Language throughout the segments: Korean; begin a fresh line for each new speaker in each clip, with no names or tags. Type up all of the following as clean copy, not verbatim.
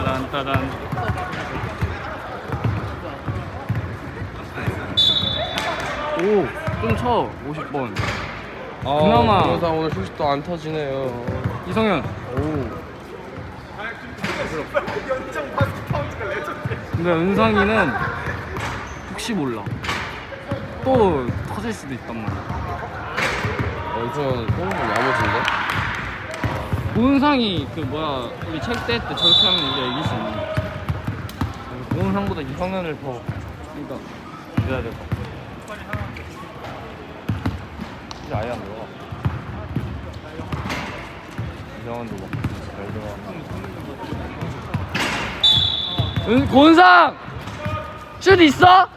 따란. 오, 좀 쳐. 50번. 그나마.
그러다 오늘 휴식도 안 터지네요.
이성현.
오.
근데 은상이는 혹시 몰라. 또 터질 수도 있단 말이야.
완전 똥은 야무진데?
고은상이 그 뭐야 우리 체육대회 때 저렇게 하면 우리가 이길 수 있는 거야. 고은상보다 이성현을 더 그러니까 해야 될 것 같아. 이제 아예 안 들어가. 이성현도 막잘 들어가. 고은상! 슛 있어?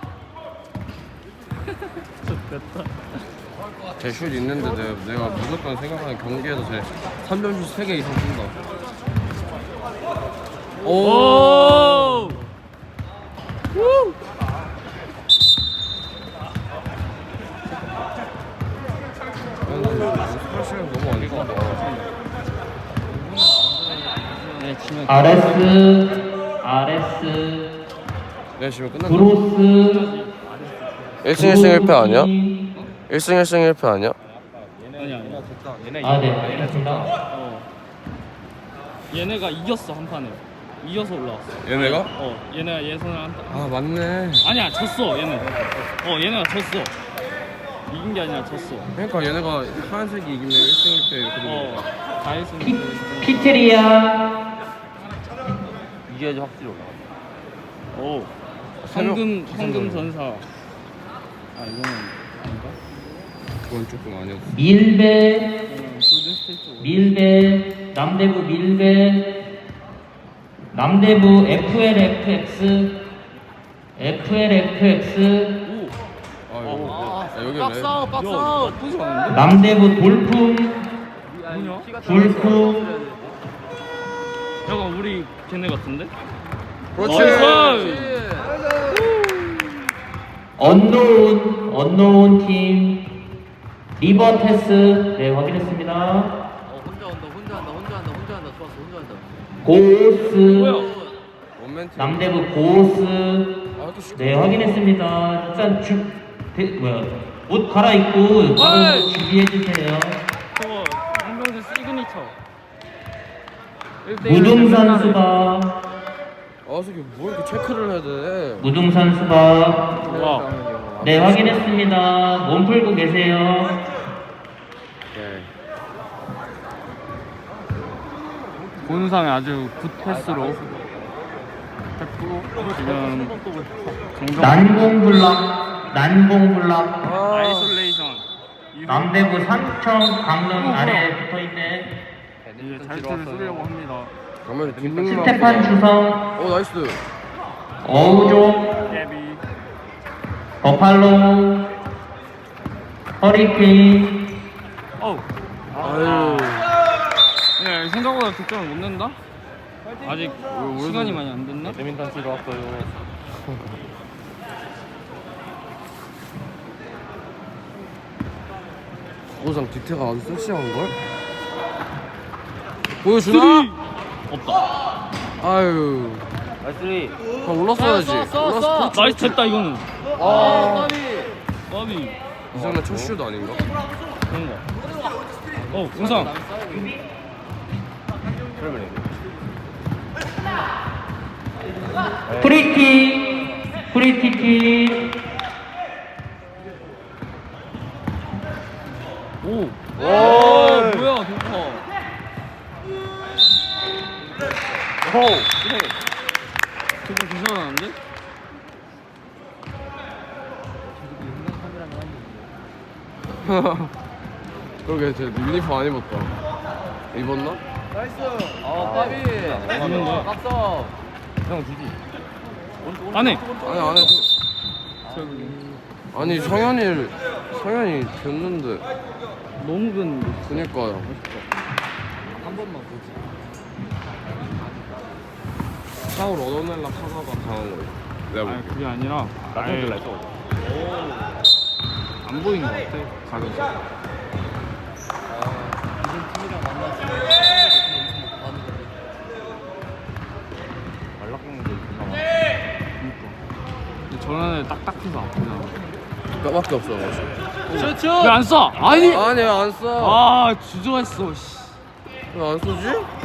좋겠다.
제 슛 있는데 내가 무조건 생각하는 경기에서 제 3점슛 3개 이상 쏜다.
오! 우!
스포츠는 너무 안 좋아.
네, 지면
아레스
내가 지금 끝났다.
브로스
1승 1승 1패 아니야? 1승 1승 1패 아니야?
아니야.
아, 네, 알겠습니다.
얘네가 이겼어 한 판에. 이겨서 올라왔어.
얘네가?
얘네가 예선을 한 판.
아 맞네.
아니야, 졌어 얘는. 얘네가 졌어. 이긴 게 아니라 졌어.
그러니까 얘네가 하얀색이 이기면 1승 1패 이렇게 되는 거야.
다 했으면
피트리아
이겨야지 확실히 올라가.
오.
새벽
황금 전사. 아 이거는 아닌가?
그건 조금 아니었어.
밀베
골든스테이트.
밀베 남대부 밀베 남대부 FLFX
아 여기 왜?
박사우. 나쁘지 않은데?
남대부 돌풍
뭐냐?
돌풍
약간 우리 걔네 같은데?
그렇지.
나이스!
언노운 팀 리버테스 네 확인했습니다.
혼자 한다. 좋았어, 혼자 한다.
고스
뭐야?
원맨팀.
남대부 고스
아 이렇게 쉽게.
네 확인했습니다. 일단 옷 갈아입고 바로
어이!
준비해 주세요.
저거 황병재 시그니처.
무등산 수박
아 저기 뭐 이렇게 체크를 해야 돼?
무등산 수박
와.
네 확인했습니다. 몸 풀고 계세요.
네.
본상의 아주 굿 패스로 했고 지금
난공블락
아이솔레이션 이후
남대부 산청 강릉 아래에 붙어있는
이제 잘투를 쏘려고 합니다.
가면 김민규.
스테판 주성
오 나이스.
어우종
깨비.
버팔로 허리케인
아유.
네, 생각보다 득점을 못 낸다? 아직 시간이 많이 안 됐나?
배민턴 치러 왔어요. 고상 뒤태가 아주 섹시한 걸? 보여주나?
없다.
아유.
나이스.
다 올랐어야지. 올랐어.
나이스 됐다 이거는.
아.
까비.
이상한 첫 슛 아닌가?
그런 거. 은상.
프리티키
오. 와, 뭐야, 좋다. 오. 그래. 저거 괜찮았는데?
그러게 제 유니폼 안 입었다. 입었나?
까비.
있는데.
박사.
형 주지. 안 해.
아니 안 해. 아니 성현이 됐는데.
너무 근.
그니까요.
한 번만 보지.
사울 얻어낼라 하다가 당한 거예요. 내가
아니
볼게.
그게 아니라 아예 안 보인 것 같아 가게에서.
이런 팀이랑 만났으면
손에 딱딱해서 아프잖아.
그거밖에 없어.
슛!
왜 안 쏴? 아니.
아니 안 써.
아 주저했어. 씨.
왜 안 쏘지?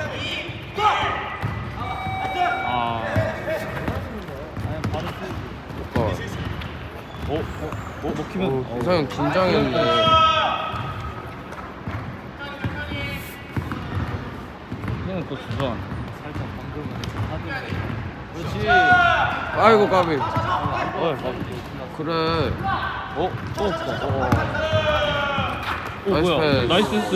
아.
오빠.
먹히면.
이상형 긴장했네.
그냥 또 주저.
살짝 방금 그렇지.
아이고 까비. 그래.
또 없어.
나이스
뭐야?
패스.
나이스 패스.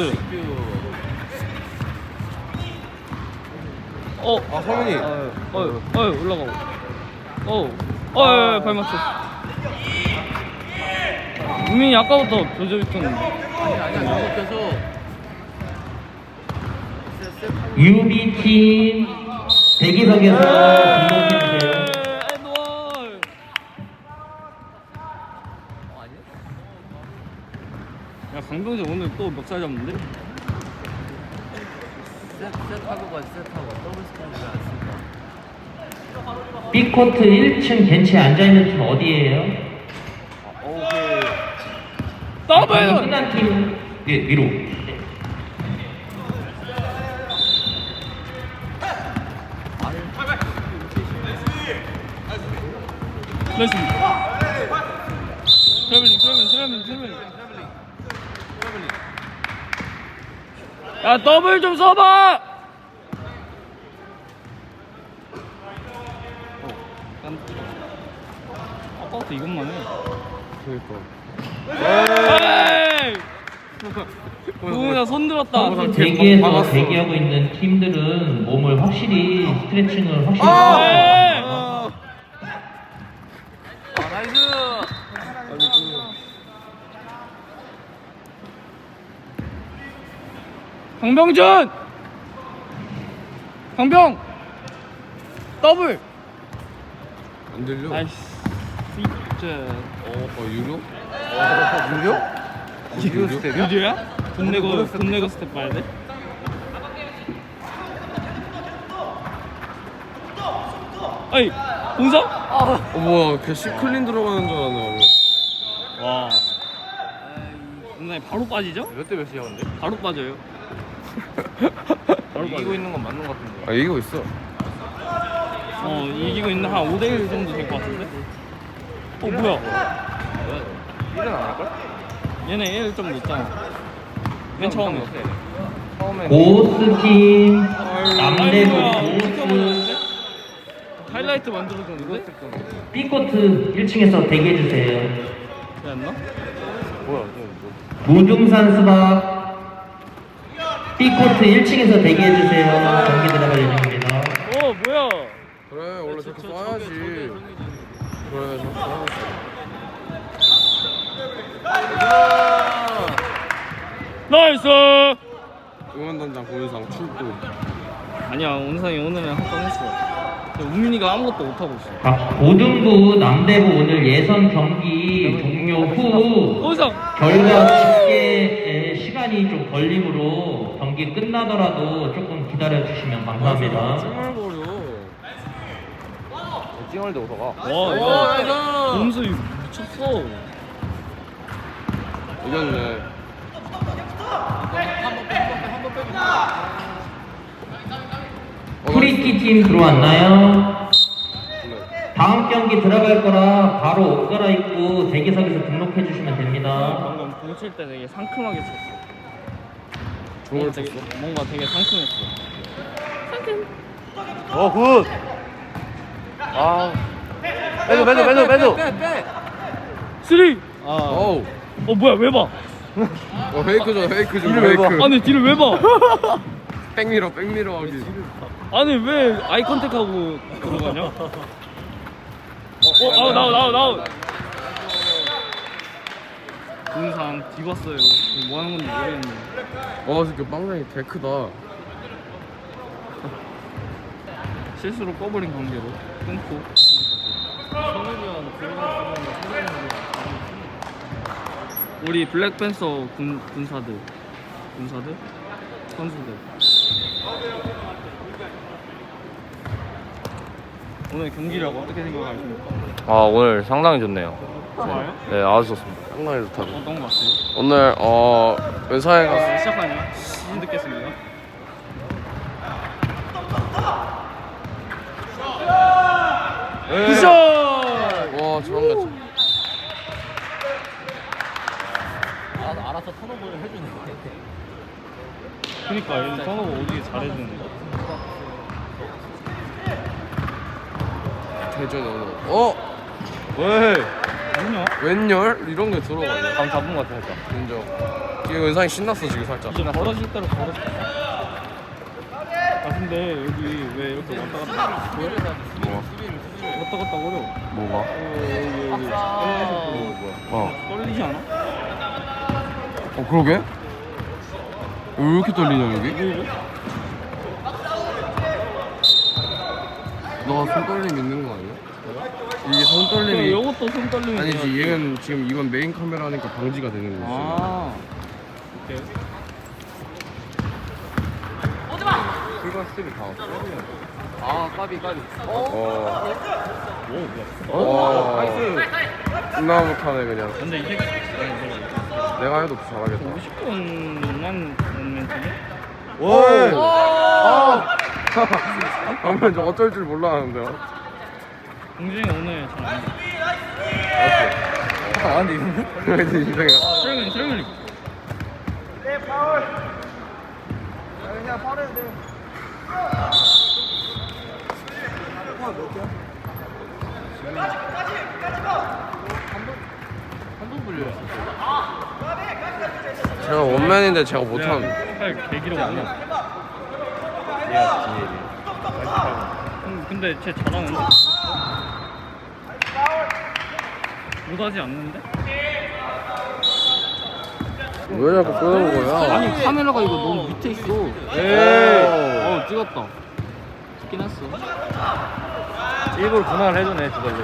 아 성현이.
올라가고. 발 맞췄어. 우민이 아까부터 조져있었는데.
아니야 계속.
UB팀 대기석에서 등록해주세요.
야 강병재 오늘 또 멱살 잡는데?
셋하고 가지 셋하고 더블 스크린 왜안 쓸까?
B코트 1층 벤치에 앉아있는 팀 어디예요?
더블!
끝난 팀 위로.
나이스. 트래블링. 야 더블 좀 써봐. 아까부터 이것만 해.
그러니까.
에이! 동훈아 손 들었다.
대기에서
박았어.
대기하고 있는 팀들은 몸을 확실히 스트레칭을 확실히
에이!
하고
나이스.
강병준! 강병! 더블!
안 들려.
나이스. 진짜.
유료?
유료 스텝이야? 유료야? 돈 내고 스텝 봐야 돼? 아이, 공성?
뭐야 걔 시클린 들어가는 줄 알았네.
와. 근데 바로 빠지죠?
몇 대 몇이야 근데?
바로 빠져요. 바로
이기고 있는 건 맞는 것 같은데.
아 이기고 있어.
이기고 있는 한 5대1 정도 될 것 같은데? 뭐야?
1은 안 할걸?
얘네 1 좀 늦잖아. 맨 처음에.
고스팀
아이고야,
남대부 고스
지켜보는데? 하이라이트 만들어줬는데?
B코트 1층에서 대기해주세요.
왜안 나?
무중산 수박 B코트 1층에서 대기해주세요. 경기 들어갈 예정입니다.
뭐야?
그래 원래 저렇게 쏴야지. 그래 저렇게 쏴야지.
나이스!
응원단장 고유상 출동.
아니야, 온상이 오늘은 한 건 했어. 근데 우민이가 아무것도 못하고 있어.
고등부 남대부 오늘 예선 경기 종료 후
온상!
결과 집계 시간이 좀 걸리므로 경기 끝나더라도 조금 기다려주시면 감사합니다.
찡얼거려.
찡얼대 오서가.
와, 야, 몸수 미쳤어.
이겼네.
프리키 팀 들어왔나요? 다음 경기 들어갈 거라 바로 옷 갈아입고 대기석에서 등록해 주시면 됩니다.
방금 공칠 때 되게 상큼하게 쳤어.
좋은
되게,
쳤어.
뭔가 되게 상큼했어.
굿. 빼줘.
쓰리!
어우.
뭐야, 왜 봐?
페이크 좀 페이크.
아니, 뒤를 왜 봐?
백미러 하기.
아니, 왜 아이 컨택하고 들어가냐? 나와. 동상 뒤봤어요. 뭐 하는 건지 모르겠네.
진짜 빵장이 개 크다.
실수로 꺼버린 관계로 끊고.
성현이 형 들어갔으면
우리 블랙팬서 군사들 선수들 오늘 경기를 어떻게 생각하십니까?
아 오늘 상당히 좋네요.
좋아요?
네 아주 좋습니다.
상당히 좋다고.
어떤 거 같아요?
오늘 은사에 가서
시작하냐? 시즌 듣겠습니다.
굿샷! 와 저런 거.
알아서 턴오버를 해주네.
그니까 얘는 턴오버 오지게 잘해주는 거.
대전 오늘.
왜?
뭐냐?
웬열 이런 게 들어가네.
감 잡은 것 같아 살짝.
인정. 지금 은상이 신났어 지금 살짝.
이제 벌어질 대로 벌어질 거야. 아 근데 여기 왜 이렇게 왔다 갔다 보여?
뭐가?
왔다 갔다 어려워.
뭐가?
여기 떨리지 않아?
그러게? 왜 이렇게 떨리냐 여기?
왜 이래?
너가 손 떨림 있는 거 아니야? 이게 손 떨림이
이것도 손 떨림이
아니지
돼야지.
얘는 지금 이건 메인 카메라니까 방지가 되는 거지.
아 오케이.
풀과 스텝이 다 왔어.
아 까비.
존나 못하네 그냥.
근데 이 새끼
내가 해도 잘하겠다.
50분만 멘트네?
그러면 저 어쩔 줄 몰라 하는데요.
공준이 오늘 잘안
아 근데 이거 인생이야.
트래블링
한번 불려요.
제가 원맨인데 제가 못하는.
팔 개기로 오네. 근데 쟤 잘하는데? 못하지 않는데?
왜 자꾸 끄는 거야?
아니 카메라가 이거 너무 밑에 있어.
에이.
찍었다. 찍긴 했어.
일부러 분할을 해주네 저걸로.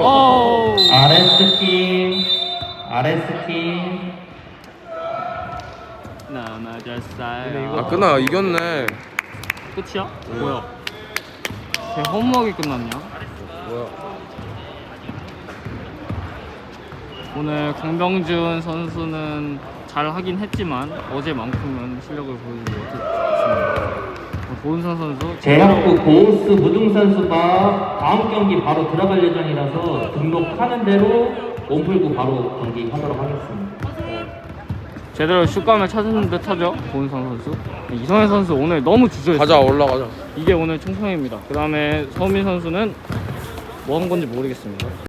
RS팀
나 맞았어요.
아 끄나 이겼네.
끝이야? 뭐야? 걔 허무하게 끝났냐?
뭐야?
오늘 강병준 선수는 잘 하긴 했지만 어제만큼은 실력을 보여주지 못했습니다. 고은선 선수
제학부 고우스 무등 선수가 다음 경기 바로 들어갈 예정이라서 등록하는 대로 몸 풀고 바로 경기하도록 하겠습니다.
제대로 슛감을 찾은 듯하죠 고은선 선수. 이성현 선수 오늘 너무 주저했어요.
가자 올라가자.
이게 오늘 총평입니다. 그 다음에 서민 선수는 뭐 한 건지 모르겠습니다.